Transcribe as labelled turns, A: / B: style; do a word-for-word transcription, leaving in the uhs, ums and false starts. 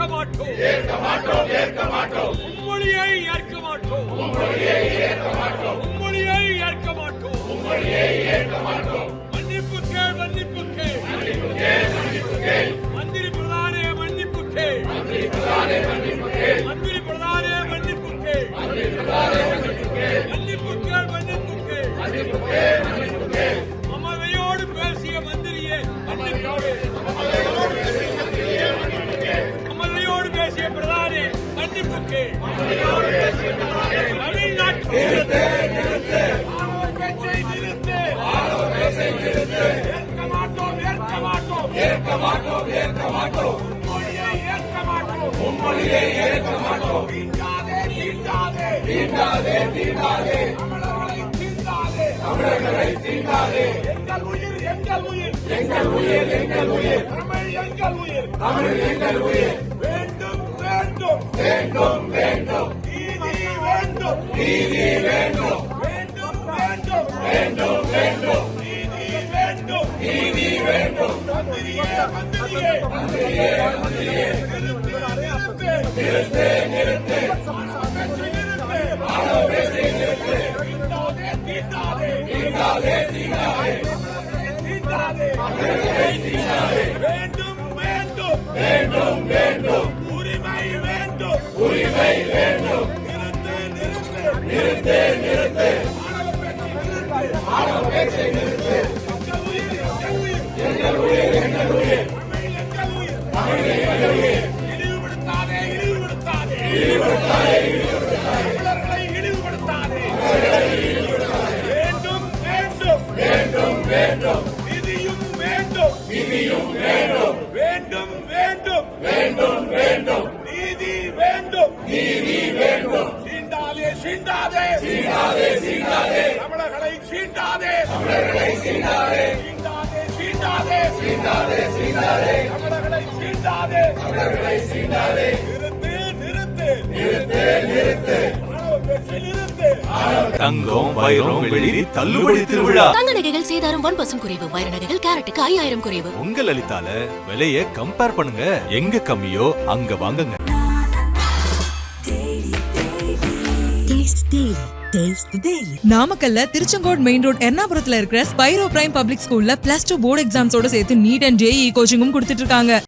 A: மாட்டோம் ஏற்க மாட்டோம் ஏற்க மாட்டோம் மும்மொழியை ஏற்க மாட்டோம் மும்மொழியை ஏற்க மாட்டோம் மும்மொழியை ஏற்க மாட்டோம் மும்மொழியை ஏற்க மாட்டோம் மன்னிப்பு கேள் மன்னிப்பு கேள் மன்னிப்பு கேள் மன்னிப்பு கேள் மந்திரி பிரதானே மன்னிப்பு கேள் மந்திரி பிரதானே மன்னிப்பு கேள் மந்திரி பிரதானே மன்னிப்பு கேள் மந்திரி பிரதானே மன்னிப்பு கேள் மன்னிப்பு கேள் மன்னிப்பு கேள் மன்னிப்பு கேள் மன்னிப்பு கேள் மமதையோடு பேசிய மந்திரியே மன்னிப்பு கேள் மமதையோடு பேசிய மந்திரியே மன்னிப்பு கேள் மமதையோடு பேசிய பிரதானே மன்னிப்பு கேள் மமதையோடு பேசிய பிரதானே தமிழ்நாட்டு நிறுத்து நிறுத்து ஆணவ பேச்சை நிறுத்து ஆணவ பேச்சை நிறுத்து ஏற்க மாட்டோம் ஏற்க மாட்டோம் ஏற்க மாட்டோம் ஏற்க மாட்டோம் மும்மொழியை ஏற்க மாட்டோம் மும்மொழியை ஏற்க மாட்டோம் தீண்டாதே தீண்டாதே தீண்டாதே தீண்டாதே தமிழர்களை தீண்டாதே தமிழர்களை தீண்டாதே எங்கள் உயிர் எங்கள் உயிர் எங்கள் உயிர் எங்கள் உயிர் தமிழ் எங்கள் உயிர் தமிழ் எங்கள் உயிர் வேண்டும் வேண்டும் வேண்டும் வேண்டும் நீதி வேண்டும் நீதி வேண்டும் வேண்டும் வேண்டும் வேண்டும் வேண்டும் நீதி வேண்டும் நீதி வேண்டும் மந்திரியே மந்திரியே மந்திரியே மந்திரியே நிறுத்து நிறுத்து நிறுத்து ஆணவ பேச்சை நிறுத்து தீண்டாதே தீண்டாதே தீண்டாதே தீண்டாதே தீண்டாதே வேண்டும் வேண்டும் வேண்டும் வேண்டும் உரிமை வேண்டும் உரிமை வேண்டும் நிறுத்து நிறுத்து நிறுத்து நிறுத்து ஆணவ பேச்சை நிறுத்து எங்கள் உயிர் எங்கள் உயிர் எங்கள் உயிர் எங்கள் உயிர் தமிழ் எங்கள் உயிர் இழிவுபடுத்தாதே இழிவுபடுத்தாதே இழிவுபடுத்தாதே இழிவுபடுத்தாதே தமிழர்களை இழிவுபடுத்தாதே வேண்டும் வேண்டும் வேண்டும் வேண்டும் நிதியும் வேண்டும் நிதியும் வேண்டும் வேண்டும் வேண்டும் வேண்டும் வேண்டும் நீதி வேண்டும் நீதி வேண்டும் சீண்டாதே சீண்டாதே சீண்டாதே சீண்டாதே தமிழர்களை சீண்டாதே தமிழர்களை சீண்டாதே சீண்டாதே சீண்டாதே சீண்டாதே சீண்டாதே தமிழர்களை சீண்டாதே தமிழர்களை சீண்டாதே நிறுத்து நிறுத்து நிறுத்து நிறுத்து ஆணவ பேச்சை நிறுத்து
B: தங்கம் வைரம் வெள்ளி தள்ளுபடி திருவிழா
C: தங்க நகைகள் சேதாரம் ஒன் பர்சன்ட் குறைவு வைர நகைகள் கேரட்டுக்கு ஐயாயிரம் குறைவு
B: உங்க லலிதால விலைய கம்பேர் பண்ணுங்க எங்க கம்மியோ அங்க வாங்குங்க
D: நாமக்கல்ல திருச்செங்கோடு மெயின் ரோட் எர்ணாபுரத்துல இருக்கிற ஸ்பைரோ பிரைம் பப்ளிக் ஸ்கூல்ல பிளஸ் டூ போர்டு எக்ஸாம்ஸோட சேர்த்து நீட் அண்ட் ஜேஇ கோச்சிங்கும் கொடுத்துட்டு இருக்காங்க.